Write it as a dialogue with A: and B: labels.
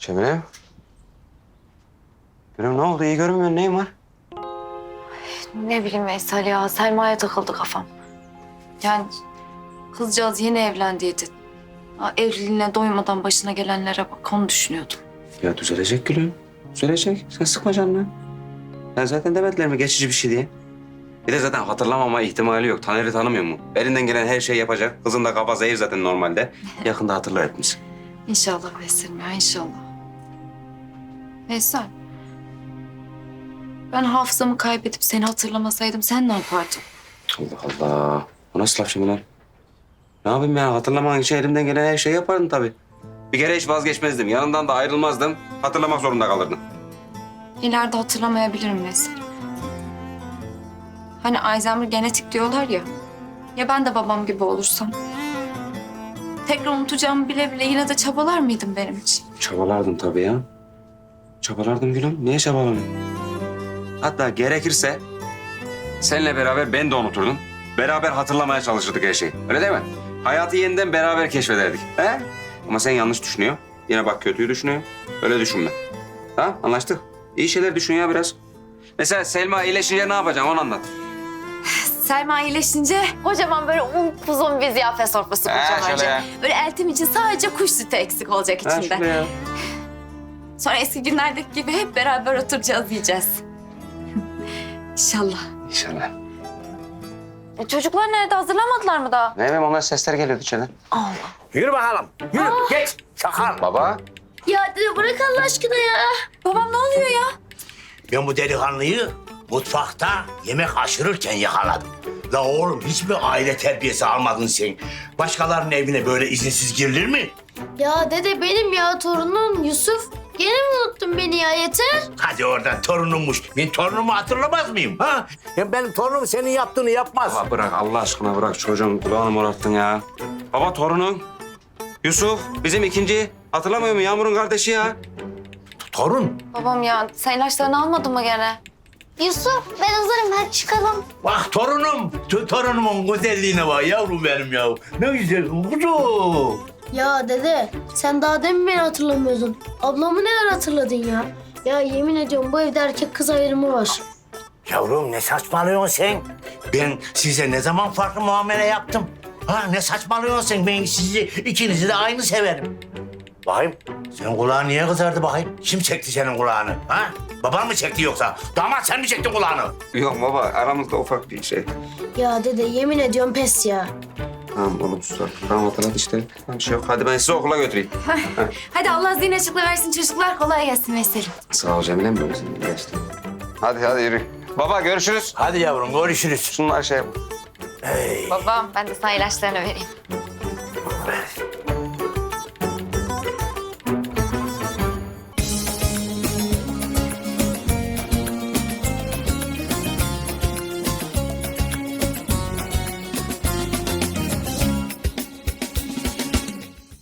A: Cemile. Gülüm ne oldu? İyi görünmüyorsun. Neyin var?
B: Ne bileyim Veysel ya, Selma'ya takıldı kafam. Yani kızcağız yeni evlendiydi. Evliliğine doymadan başına gelenlere bak, onu düşünüyordum.
A: Ya düzelecek Gülüm. Düzelecek. Sen sıkma canını. Ya zaten demediler mi geçici bir şey diye. Bir de zaten hatırlamama ihtimali yok. Taner'i tanımıyor mu? Elinden gelen her şeyi yapacak. Kızın da kafa zehir zaten normalde. Yakında hatırlar hepimiz.
B: İnşallah Veysel'im ya, inşallah. Veysel, ben hafızamı kaybedip seni hatırlamasaydım sen ne yapardın?
A: Allah Allah. O nasıl laf şimdi lan? Ne yapayım ya? Hatırlaman için elimden gelen her şeyi yapardım tabii. Bir kere hiç vazgeçmezdim. Yanından da ayrılmazdım. Hatırlamak zorunda kalırdım.
B: İleride hatırlamayabilirim Veysel. Hani Alzheimer genetik diyorlar ya. Ya ben de babam gibi olursam? Tekrar unutacağımı bile bile yine de çabalar mıydın benim için?
A: Çabalardım tabii ya. Çabalardım Gülüm. Niye çabalamıyorum? Hatta gerekirse seninle beraber ben de unuturdum. Beraber hatırlamaya çalışırdık her şeyi. Öyle değil mi? Hayatı yeniden beraber keşfederdik. He? Ama sen yanlış düşünüyor. Yine bak kötüyü düşünüyor. Öyle düşünme. Ha? Anlaştık. İyi şeyler düşün ya biraz. Mesela Selma iyileşince ne yapacaksın onu anlat.
B: Selma iyileşince kocaman böyle uzun bir ziyafet sofrası kuracağım
A: şöyle
B: önce.
A: ya.
B: Böyle eltim için sadece kuş sütü eksik olacak
A: Ha,
B: içinde.
A: şöyle ya.
B: Sonra eski günlerdeki gibi hep beraber oturacağız, yiyeceğiz. İnşallah.
A: İnşallah.
B: Çocuklar nerede? Hazırlamadılar mı daha?
A: Ne bileyim onlar sesler geliyordu içeriden.
B: Allah.
C: Yürü bakalım. Yürü geç. Çakal.
A: Baba.
D: Ya dede bırak Allah aşkına ya.
B: Babam ne oluyor ya?
C: Ben bu delikanlıyı mutfakta yemek aşırırken yakaladım. La oğlum hiç mi aile terbiyesi almadın sen? Başkalarının evine böyle izinsiz girilir mi?
D: Ya dede benim ya torunum Yusuf. Gene mi unuttun beni ya yeter?
C: Hadi oradan torunummuş. Ben torunumu hatırlamaz mıyım? Ha? Ya benim torunum senin yaptığını yapmaz.
A: Baba bırak Allah aşkına bırak çocuğun kulağını morarttın ya. Baba torunun Yusuf bizim ikinci hatırlamıyor mu Yağmur'un kardeşi ya?
C: Torun.
B: Babam ya, sen ilaçlarını almadın mı gene?
D: Yusuf ben hazırım hadi çıkalım.
C: Bak torunum. Torunumun güzelliğine bak yavrum benim ya. Ne güzel kuzu.
D: Ya dede sen daha demin beni hatırlamıyordun. Ablamı neler hatırladın ya? Ya yemin ediyorum bu evde erkek kız ayrımı var.
C: Yavrum ne saçmalıyorsun sen? Ben size ne zaman farklı muamele yaptım? Ha ne saçmalıyorsun sen? Ben sizi ikinizi de aynı severim. Bakayım senin kulağın niye kızardı bakayım? Kim çekti senin kulağını? Ha? Baban mı çekti yoksa? Damat sen mi çektin kulağını?
A: Yok baba aramızda ufak bir şey.
D: Ya dede yemin ediyorum pes ya.
A: Tamam oğlum sus artık. Tamam hatırlat işte. Tamam bir şey yok. Hadi ben sizi okula götüreyim.
B: Hadi Allah zihin açıklığı versin çocuklar. Kolay gelsin Veysel'im.
A: Sağ ol Cemile'm benim senin geçti. Hadi yürü. Baba görüşürüz.
C: Hadi yavrum görüşürüz.
A: Şunlar şey yap.
B: Babam, ben de sana ilaçlarını vereyim.